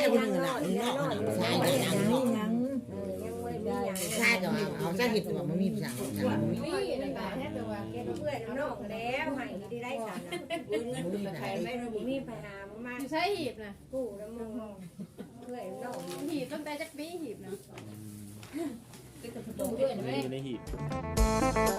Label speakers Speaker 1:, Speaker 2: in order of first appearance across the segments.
Speaker 1: คนนึงน่ะเนาะชายยังชายก็เอาซะเฮ็ดว่ามันมีผู้ชาย
Speaker 2: มีในบ้านแท้แต่ว่าแกเพื่อนนอกแล้วให้ได้กันน่ะเงินไปใครไม่รู้มีไปหามา
Speaker 3: อยู่ใช้หีบนะ
Speaker 2: กู้แล้วมึงเพื่อนนอก
Speaker 3: หีบตั้งแต่จักปีหีบนะ
Speaker 4: อยู่ในหีบ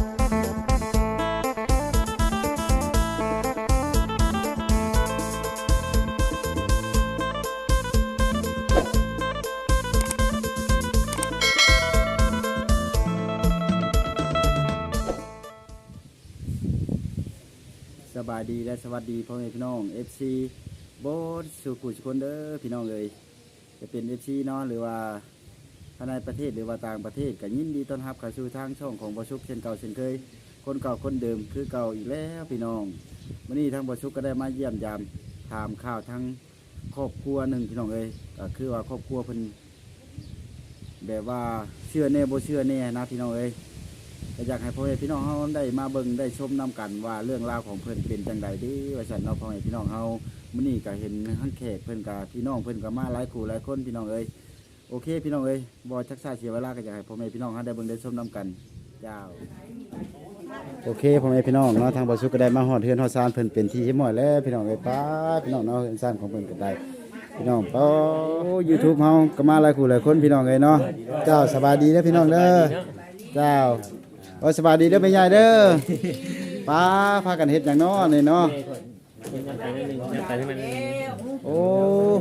Speaker 4: สบายดีและสวัสดีพ่อแม่พี่น้อง FC โบสสุขุสุคนเด้อพี่น้องเลยจะเป็น FC เนาะหรือว่าภายในประเทศหรือว่าต่างประเทศก็ยินดีต้อนรับเข้าสู่ทางช่องของบ่ชุกเช่นเก่าเช่นเคยคนเก่าคนเดิมคือเก่าอีกแล้วพี่น้องวันนี้ทางบ่ชุกก็ได้มาเยี่ยมยามถามข่าวทั้งครอบครัวหนึ่งพี่น้องเลยก็คือว่าครอบครัวเพิ่นแบบว่าเชื่อแน่บ่เชื่อแน่นะพี่น้องเอ้ยก็อยากให้พ่อแม่พี่น้องเฮาได้มาเบิ่งได้ชมนำกันว่าเรื่องราวของเพิ่นเป็นจังใดดีว่าซั่นเนาะพ่อแม่พี่น้องเฮามื้อนี้ก็เห็นทั้งแขกเพิ่นกับพี่น้องเพิ่นก็มาหลายคู่หลายคนพี่น้องเอ้ยโอเคพี่น้องเอ้ยบ่ชักช้าเสียเวลาก็อยากให้พ่อแม่พี่น้องเฮาได้เบิ่งได้ชมนำกันเจ้าโอเคพ่อแม่พี่น้องเนาะทางบ่สุขก็ได้มาฮอดเฮือนฮอดศาลเพิ่นเป็นที่เรียบร้อยแล้วพี่น้องเอ้ยป้าพี่น้องเนาะเฮือนศาลของเพิ่นก็ได้พี่น้องป้า YouTube เฮาก็มาหลายคู่หลายคนพี่น้องเอ้ยเนาะเจ้าสบายดีเด้อพี่น้องเด้อเจ้าโอ้สบายดีเด้อแม่ยายเด้อป้าพากันเฮ็ดหยังเนาะนี่เนาะโอ้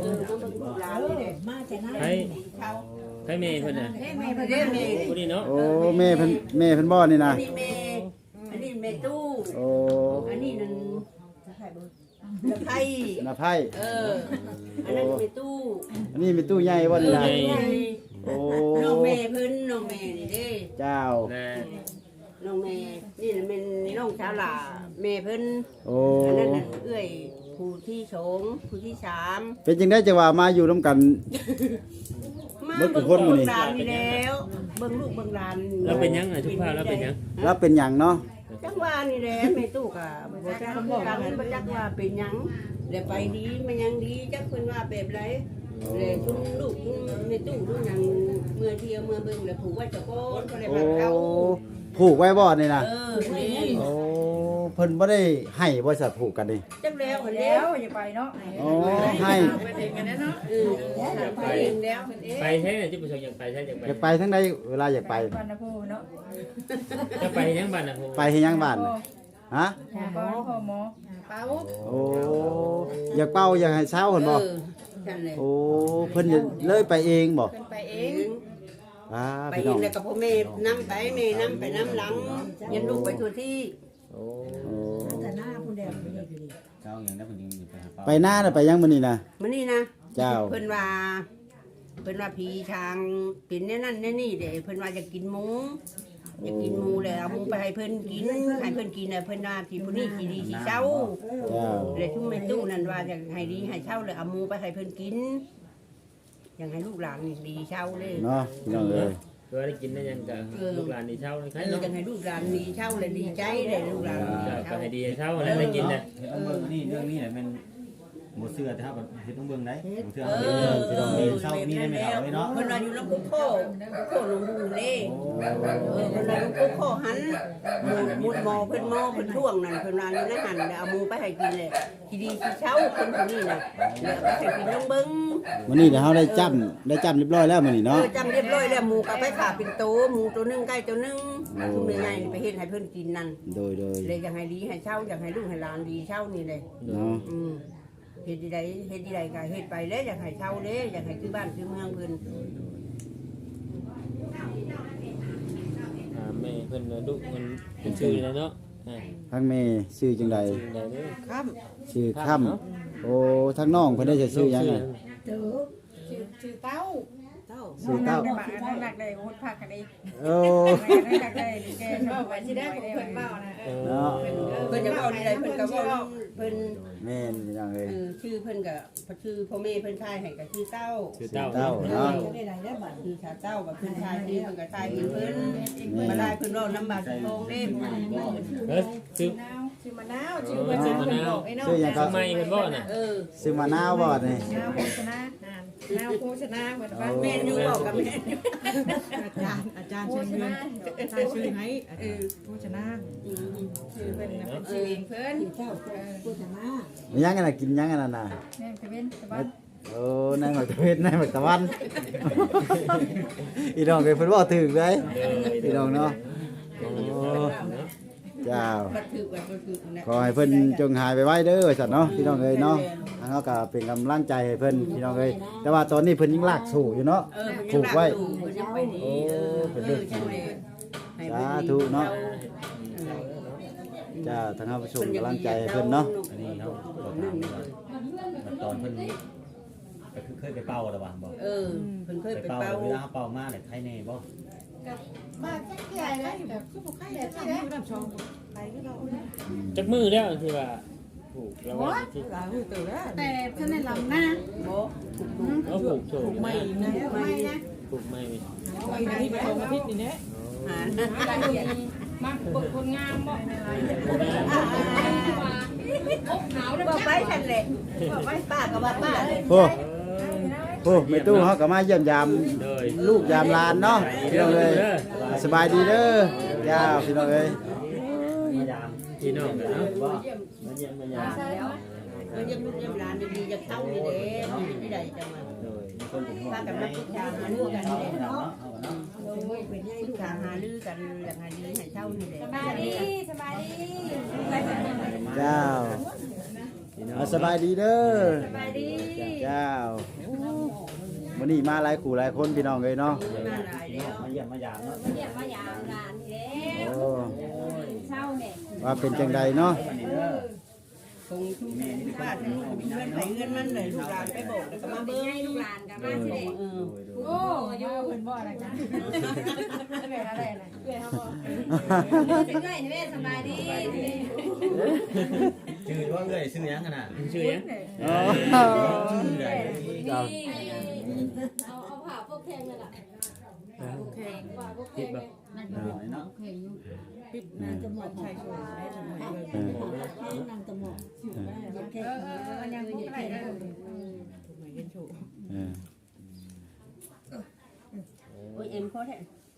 Speaker 5: ให้เมย์เพิ่นน่ะผู้นี้เนาะ
Speaker 4: โอ้แม่เพิ่นบ่นี่นะ
Speaker 2: อันนี้เมตู้
Speaker 4: โอ้
Speaker 2: อันนี้นั่นละไพ่
Speaker 4: ละไพ่
Speaker 2: อันนั้นเมตู้
Speaker 4: อันนี้มีตู้ใหญ่บ่นี่นะโอ้
Speaker 2: น้องแม่เพิ่นน้องแม่นี่เด้
Speaker 4: เจ้า
Speaker 2: น้องแม่นี่เป็นน้องชาวหล่าแม่เพิ่น
Speaker 4: โอ้
Speaker 2: อันนั้นน่ะเอื้อยผู้ที่สองผู้ที่สาม
Speaker 4: เป็นจังได๋จังว่ามาอยู่ร่วมกัน
Speaker 2: มาเบิ่งลูกเบิ่งหลานนี่แล้วเบิ่งลูกเบิ่งหลาน
Speaker 5: แล้วเป็นยังทุกภาพแล้วเป็นยัง
Speaker 4: แล้วเป็นหยังเนาะ
Speaker 2: จังว่านี่แหละแม่ตู้ก็บ่จักคำบอกกันบ่จักว่าเป็นหยังแล้วไปดีมันยังดีจักเพิ่นว่าแบบไรเลยชุนลูกแม่ตู้ลูกหยังเมื่อเที่ยวเมื่อเบิ่งแล้วผูกไว้ตะโกนก็ได้พาเขา
Speaker 4: ผูกไว้บ่นี่นะ
Speaker 2: นี่
Speaker 4: โอ้เพิ่นบ่ได้ให้บริษัทผูกกันนี่
Speaker 2: จักแล้ว
Speaker 3: อย่าไปเนาะ
Speaker 4: โอ้ให้
Speaker 3: ไปเองกันเนาะ
Speaker 2: ไปเองแล้ว
Speaker 5: ไปใช่ไหมที่ผู้ชมอยากไปใช่
Speaker 4: อยากไปทั้งใดเวลาอยากไป
Speaker 3: บ้านนะพ่อเนาะ
Speaker 5: จะไปยังบ้านนะ
Speaker 4: ไปเฮ็ดยังบ้านฮะ
Speaker 3: พ่อหมอเป้า
Speaker 4: โอ้อยากเป้าอยากให้เช้าเพิ่นบ่โอ้เพิ่นเลยไปเองบ่
Speaker 3: เพิ่นไปเอง
Speaker 2: ไปเองแล้วก็พ่อแม่นำไปแม่นำไปนำหลังยันลูกไปทั่วที่
Speaker 4: โอ้
Speaker 2: แต่หน้าผู้แดงไปนี่คือ
Speaker 4: เจ้าอย่างนั้นเพิ่นไปหน้าน่ะไปยังมื้อนี้นะ
Speaker 2: มื้อนี้นะ
Speaker 4: เจ้า
Speaker 2: เพิ่นว่าผีทางเป็นแน่นั่นแน่นี่เด้เพิ่นว่าจะกินหมูอยากกินหมูแล้วเอาหมูไปให้เพิ่นกินให้เพิ่นกินน่ะเพิ่นว่าสิผู้นี้สิดีสิเช้าเลยทุ่มแม่ตู้นั่นว่าอยากให้ดีให้เช้าเลยเอาหมูไปให้เพิ่นกินอยากให้ลูกหลานนี่ดีเช้าเลย
Speaker 4: เนาะน้องเอ้ย
Speaker 5: เพื่อได้กินได้ยังกับลูกหลานดีเช่าเลยใช่
Speaker 2: เนาะอยากให้ลูกหลานดีเช้าเลยดีใจเลยลูกหลาน
Speaker 5: ก็ให้ดีเช่าแล้วได้กินน่ะ
Speaker 6: นี่เรื่องนี้เนี่ยมันหมดเสื้อแต่ถ้าแบบเฮ็ดต้องเบิ่งได้หมดเสื้อ
Speaker 2: พี่น้อง
Speaker 6: เช้ามีได้ไม่เอาเลยเนาะ
Speaker 2: เพิ่นว่าอยู่ลำพุโคลงดูเด้เพิ่นว่าลำพุโคหันมุดหมอเพิ่นท่วงนั่นเพิ่นว่าอยู่ในหันเอาหมูไปให้กินเลยสิดีสิเช้าคนผู้นี้น่ะแล้วไปให้กินลงเบิ่ง
Speaker 4: มื้อนี้เดี๋ยวเฮาได้จำเรียบร้อยแล้วมื้อนี้เนาะ
Speaker 2: จำเรียบร้อยแล้วหมูก็ไปขาเป็นโตหมูตัวนึงไก่ตัวนึงทุกใหญ่ๆไปเฮ็ดให้เพิ่นกินนั่น
Speaker 4: โดย
Speaker 2: เลยอยากให้ดีให้เช้าอยากให้ลูกให้หลานดีเช้านี่เลย
Speaker 4: เนาะ
Speaker 2: เฮ็ดดีใดก็เฮ็ดไปแล้วอยากให้เช่าเด้อยากให้คือบ้านคือเมืองเพิ่น
Speaker 5: แม่เพิ่นดุเพิ่นเป็นชื่อแล้วเนาะ
Speaker 4: ทั้งแม่ชื่อจังได๋
Speaker 2: ค่
Speaker 4: ำชื่อค่ำโอ้ทั้งน้องเพิ่นได้ชื่อหยังไง
Speaker 3: ชื่อเต้า
Speaker 4: ชื่อเต้า
Speaker 3: น้องหนักได้โหดผักกันอีก
Speaker 4: โอ้
Speaker 3: หนักได้แกเว้าไปสิได้ของเพิ่นเว้านะ
Speaker 2: เพิ่นจะเว้าดีใดเพิ่นก็เว้าเพิ่น
Speaker 4: แม่นจังเอ้ย
Speaker 2: ชื่อเพิ่นก็ชื่อพ่อแม่เพิ่นทายให้ก็ชื่อเต้า
Speaker 4: เนาะ
Speaker 2: ชื่อชาเต้ากับเพิ่นทายนี่เพิ่นก็ทายเพิ่นมาได้เพิ่นเว้านำบาดทองเด้
Speaker 5: ชื่อ
Speaker 3: มะนาวชื่อเพิ่นบอกไอ้น้อง
Speaker 4: ชื่อหยังก็
Speaker 5: ไม่เพิ่นบ่น่ะ
Speaker 4: ชื่อมะนาวบ่นี่
Speaker 3: มะนาวโฆษณาแนวโฆษณาเหมือนว่า
Speaker 2: แม่นอยู่บอกกับแม่นอยู่
Speaker 7: อาจารย์ชื่อเงินอาจารย์ชื่อให้โฆษณา
Speaker 3: ชื่อเป็นเป็นชื่อเองเพิ่น
Speaker 4: มียังกันน่ะกินยังกันน่ะ
Speaker 3: แม่เป็นสบาย
Speaker 4: โอ้นายหมักตะเวนนายหมักตะวันอีน้องเคยเพิ่นเว้าถึงเลยอีน้องเนาะโอ้เจ้า
Speaker 2: บัดถือบัดบ่ถือนะ
Speaker 4: ขอให้เพิ่นจงหายไปไว้เด้อสัตว์เนาะพี่น้องเอ้ยเนาะทางเฮาก็เป็นกำลังใจให้เพิ่นพี่น้องเอ้ยแต่ว่าตอนนี้เพิ่นยังลากสู่อยู่เนาะ
Speaker 2: ผูกไว้เพิ่นยังไปดี
Speaker 4: โอ้เป็นเรื่องจริง
Speaker 2: ให้
Speaker 4: สาธุเนาะจ้าทางเฮาส่งกำลังใจให้เพิ่นเนาะ
Speaker 6: อันนี้เขาบอกถามว่าตอนเพิ่นก็คือเคยไปเป่าแล้วบ่บอก
Speaker 2: เออเพิ่นเคย
Speaker 6: ไป
Speaker 2: ไป
Speaker 6: เป่า
Speaker 2: เป่า
Speaker 6: เวลาเป่ามาเนี่ยใครแน่บ่
Speaker 3: บ้านจักใหญ่เลยแบบคือบ่ใครแบบนี้
Speaker 7: ผู้นำชองไปที่เรา
Speaker 5: จักมือแล้วที่ว่าผูกแล้วว่าที่
Speaker 7: หลายหูตื่นแล้ว
Speaker 3: แต่ท่านในลำหน้า
Speaker 2: บ่
Speaker 5: เอาผูกโถ
Speaker 7: ไม่นะ
Speaker 3: ไม่นะ
Speaker 5: ผูกไม่มี
Speaker 7: ไปที่ประตูอาทิตย์นี่แหละ
Speaker 2: หา
Speaker 3: มาปกคนงามบ่หนาวแล้ว
Speaker 2: บ่ไปทันเลยบ่ไปป้าก็ว่าป้าเลย
Speaker 4: โอ้โอ้แม่ตู้เฮาก็มาเยี่ยมยาม
Speaker 5: เลย
Speaker 4: ลูกยามหลานเนาะพี่น้องเอ้ยสบายดีเด้อย่าพี่น้องเอ้ย
Speaker 6: มายาม
Speaker 5: พี่น้องเนาะ
Speaker 6: บ่มาเยี่ยมมายาม
Speaker 2: มันยังลูกยังหลานดีๆจะเข้านี่เด้มันไม่ได้จังว่า
Speaker 6: เลยมีคนเป็นห่วง
Speaker 2: พากันมาปรึกษาหารือกันนี่เนาะเป็นให้ปรึกษาหารือกันอย่างไรดีให้เช่านี่แหละ
Speaker 3: สบายดีสบายดี
Speaker 4: เจ้าเอาสบายดีเด้อ
Speaker 3: สบายดี
Speaker 4: เจ้าวันนี้มาหลายคู่หลายคนพี่น้องเลยเนาะ
Speaker 2: มาหลายแล้ว
Speaker 6: มาเยี่ยมมายามเนาะ
Speaker 3: เรียกว่ายามหลานนี่แหละ
Speaker 4: โอ้
Speaker 3: เช้าเนี่ย
Speaker 4: ว่าเป็นจังใดเนาะ
Speaker 2: คงทุกบ้านทุกเงินไหนเงินมันเลยลูกหลานไปบอกแล้วก็มาเบิ้ง
Speaker 3: ให้ลูกหลานกันมาสิเด็ก โอ้ยเพิ่นบ่อะไรกันเป็นอะไรนะเพื่อนเฮาบ่เป็นไงนี่แม่สบายดี
Speaker 6: ชื่อว่าเอ้ยชื่อหยังกันน่ะ
Speaker 5: ชื่อยัง
Speaker 4: อ๋อ
Speaker 6: ชื่อใด
Speaker 4: ครับ
Speaker 3: เอาผ้าพวกแข็งนั่นล่ะพวกแข็งผ้าพวกแข็ง
Speaker 6: เนาะ
Speaker 7: ปิดน่าจะหมดใช่ช่วยได้ทำไมเลยนางตะหมอก
Speaker 3: ยังพวกอะไรได้
Speaker 7: ทำไมเห็นโชว์
Speaker 4: เออ
Speaker 2: โอ้ยเอ็มเขาแท้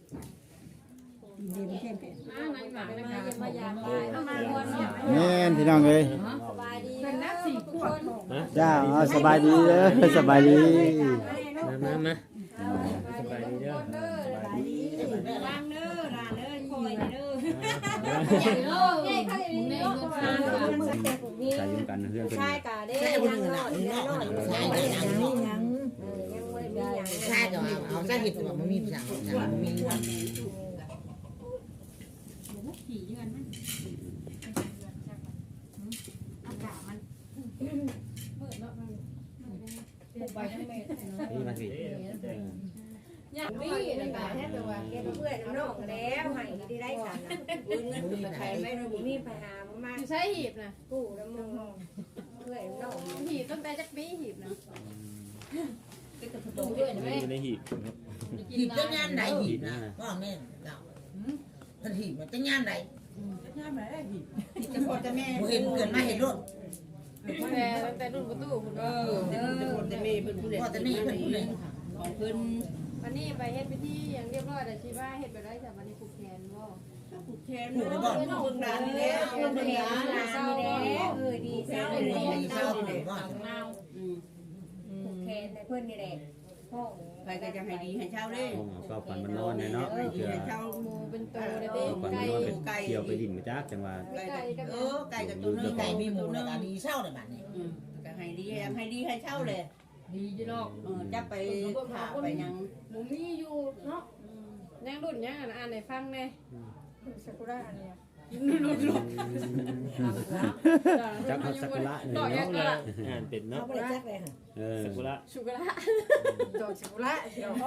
Speaker 4: แม่นพี่น้องเลย
Speaker 3: สบายดี
Speaker 7: เป็นนักสี่ขวบ
Speaker 4: เจ้าเอาสบายดีเด้อสบายดี
Speaker 5: มาสบายดีเด้อ
Speaker 3: วางเด้อหลานเด้อคอยเด้อใหญ่โลกใหญ่เขาอย่างนี้เนาะ
Speaker 6: ใจยุ่งกันเรื่องเป็น
Speaker 3: ใช่กะเด้
Speaker 1: ใช่คนอื่นน่ะใช่ได้ยังนี่ยัง
Speaker 3: ยังบ่ได้มีหยัง
Speaker 1: ใช่ก็เอาใช่เห็ดว่ามันมีสั่งมันมีวัน
Speaker 6: นี่มาสิ
Speaker 3: ยังมีนะกะแท้แต่ว่าแกเพื่อนน้องแล้วให้ได้ได้กันนะ
Speaker 2: เงินไปใครไม่รู้
Speaker 3: มีไปหามาใช้หีบนะกู้แล้วมึงเพื่อนน้องหีบตั้งแต่จักปีหีบนะ
Speaker 5: อยู่ในหีบ
Speaker 1: หีบจะงานใดหีบนะว่าแม่เก่าถ้าหีบมันจะงานใด
Speaker 7: ง่ายไหมหิบ
Speaker 2: จะพอจะแม่
Speaker 1: เห็นเกินมาเห็นรถ
Speaker 3: แต่ตั้งแต่รุ่นประตูคุณเออ
Speaker 2: จะพอจะแม่เพิ่นผู้ใด
Speaker 1: พ่อจะนี่เพิ่นผู้ใด
Speaker 2: ของเพิ่น
Speaker 3: วันนี้ไปเฮ็ดพิธีอย่างเรียบร้อยแต่ชีว่าเฮ็ดไปได้จากวันนี้ผูกแขนบ่
Speaker 2: ผูกแขนเนาะเพิ่นหลานนี่แหละ
Speaker 3: ผูกแขนหลานนี่แหละดีเศร้าเลย
Speaker 1: ดีเศร้าเลยว่า
Speaker 3: เราผูกแขนแต่เพิ่นนี่แหละห้อง
Speaker 2: ใครก็จะให้ดีให้เช่าเด้
Speaker 6: ห้องเอาก็ฝันมันนอนเนี่ยเนาะ
Speaker 2: ให้ดี
Speaker 6: เพื่อ
Speaker 2: ให้เช่า
Speaker 3: หมูเป็นตัวเลย
Speaker 6: ฝั
Speaker 3: เด้
Speaker 6: นมัน
Speaker 3: ไก่
Speaker 6: นอนเป็นเที่ยวไปดินมาจักจังว่า
Speaker 2: ไก่ก็ไก่กับตัวนึ
Speaker 1: มี
Speaker 2: ง
Speaker 1: ไก่มีหมูแล้วก็ดีเศร้าเลยบัดนี้
Speaker 2: ก็ให้ดีให้เช่าเลย
Speaker 3: ดีอยู่เนาะ
Speaker 2: จับไปขาไปยัง
Speaker 3: หมูมีอยู่เนาะยังรุ่นยังอ่านให้ฟังแน่ซากุระอันเนี้ย
Speaker 6: จักเขาสักละเนี่ย
Speaker 3: ต่อยั
Speaker 6: เนาะ
Speaker 3: งก็
Speaker 5: อ่านเป็นเนาะ
Speaker 1: เขาไม่ได้จักเลยค่ะ
Speaker 6: เออ
Speaker 5: สกุระ
Speaker 3: สุกุระ
Speaker 7: โจชิบุระเดี๋ยว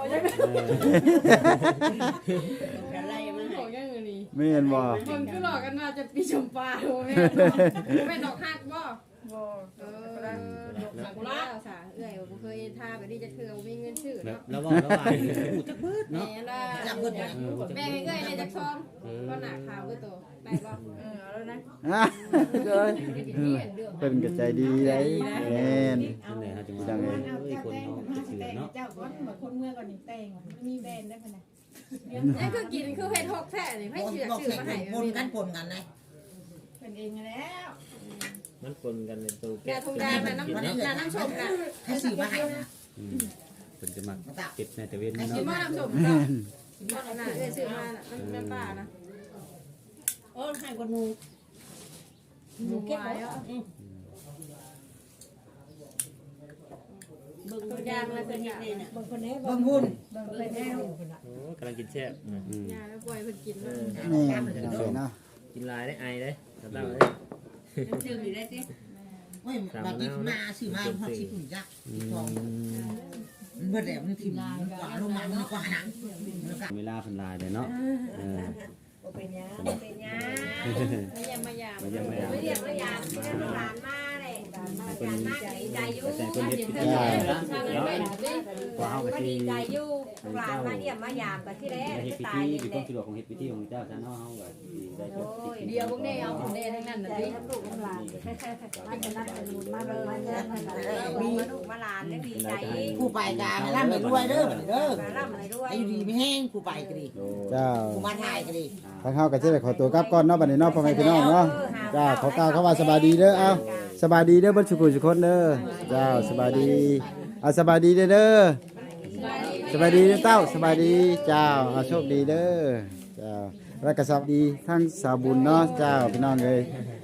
Speaker 2: อะไรมา
Speaker 3: ของยังอื่นนี่
Speaker 4: ไม่เห็นบ่
Speaker 3: คนคือหลอกกันว่าจะปีชมปลาโอ้แม่แม่ดอกฮักบ่
Speaker 7: บ่
Speaker 3: ซากุระสาเอ้ยบ่เคยทาแบบนี้จะคือมีเงินชื่อ
Speaker 6: แบบ
Speaker 3: เนาะ
Speaker 6: แล้วว่าแล้วว่าพูดจักเบิด
Speaker 3: แม่
Speaker 6: เนาะ
Speaker 3: ล่ะ
Speaker 1: จับเพิ่นไป
Speaker 3: แม่ให้เอ้ยในจักซองก็หนาขาวคือโตได้บ่
Speaker 7: เอาแล้วนะ
Speaker 4: อ่ะเลยเพิ่นก็ใจดีได้แม่น
Speaker 6: นั่นแหละฮะจังว่าเอ้ยคนเฮาสิเสือเนาะ
Speaker 7: ก่อนแบบคนเมื่อก่อนนี่แต่งมันมีแบรนด์ได้ปะเนี่ย
Speaker 3: นี่คือกินคือเฮ็ดหกแท้นี่ให้เชื่อ
Speaker 1: บอก
Speaker 3: ชื่อ
Speaker 1: แข่ง
Speaker 3: มาให้
Speaker 1: ปนกันเลย
Speaker 7: เป็นเองแล้ว
Speaker 5: มันปนกันในตัว
Speaker 3: แกทงแดงน่ะน้ำชมกัน
Speaker 1: ให้สื่อมาให้นะ
Speaker 6: เพิ่นจะมาเก็บในตะเวน
Speaker 3: กิ
Speaker 6: เนาะ
Speaker 3: นมาน้ำชม
Speaker 4: แม่
Speaker 3: ก็
Speaker 4: น
Speaker 3: น่ะซื้อมาน้ำปลานะ
Speaker 7: โอ้ให้คนหนูหนูเก็บไว้เบิ่งตัวอย่างแล้วเป็นยังไงน่ะเบิ่งคนนี้
Speaker 1: เบิ่งหุ่น
Speaker 7: เบิ่งคนนี้
Speaker 5: โอ้กำลังกินแซ่บ
Speaker 3: ยาแล้วปล่อยเพิ่นกิน
Speaker 5: เอ
Speaker 3: เนาะ
Speaker 5: อ
Speaker 4: นี่พี่น้องเอ้ยเนาะ
Speaker 5: กินลายได้ไอได้สำหรับเลย
Speaker 2: ดื่มอยู่ได้สิ
Speaker 1: เฮ้ยมากินมาสื่อมาพอชิคุนจักทองมันเบิดแล้วมันถิ่มกว่าลงมามันกว่าหนัง
Speaker 6: เวลาเพิ่นลายเลยเนาะ
Speaker 2: เป็นยังเป็นยัง
Speaker 3: ไม่ยามมายาม
Speaker 6: มาเยี่ยมมา
Speaker 2: ไม่เรียกไม่ยามที่นั่นหลานมาเลยหลานมาดีใจอยู่
Speaker 6: แต่เพิ่นเฮ็ดพิธี
Speaker 3: เนาะ
Speaker 6: กว่าเฮาก็
Speaker 2: มา
Speaker 6: สิ
Speaker 2: ดีใจอยู่หลานมาเยี่ยมมายามกันที่แรก
Speaker 6: เฮ็ดพิ
Speaker 2: ตา
Speaker 6: ธี
Speaker 2: ย
Speaker 6: มี
Speaker 2: นี่
Speaker 6: ความสะดวกของเฮ็ดพิธีของเจ้าซะเนาะเฮาก็ได้จบ
Speaker 3: เดียวพวกนี้เอาของแดงทั้งนั้นน่ะ
Speaker 2: ใจ
Speaker 3: ดิ
Speaker 2: ทั้งลูกทั้งหลานมาจะนัดกันมาเลยมาเจอมาลูกมาหลานได้ดีใจ
Speaker 1: ผู้ไปกาล่ำไปด้วยเด้อเด้อ
Speaker 2: มาล่ำเลยด้วย
Speaker 1: ไอ้อยู่ดีไม่แห้งผู้ไปก็ดี
Speaker 4: เจ้า
Speaker 1: ผู้มาถ่ายก็ดี
Speaker 4: ทางเฮาก็จะได้ขอตัวกลับก่อนเนาะบัดนี้เนาะพ่อแม่พี่น้องเนาะจ้าขอกล่าวคำว่าสบายดีเด้อเอ้าสบายดีเด้อเบ่สุขสุขคนเด้อเจ้าสบายดีเอาสบายดีเด้อเด้อสบายดีเด้อเต้าสบายดีเจ้าเอาโชคดีเด้อเจ้าแล้วก็สวัสดีทั้งสาวบุญเนาะเจ้าพี่น้องเอ้ย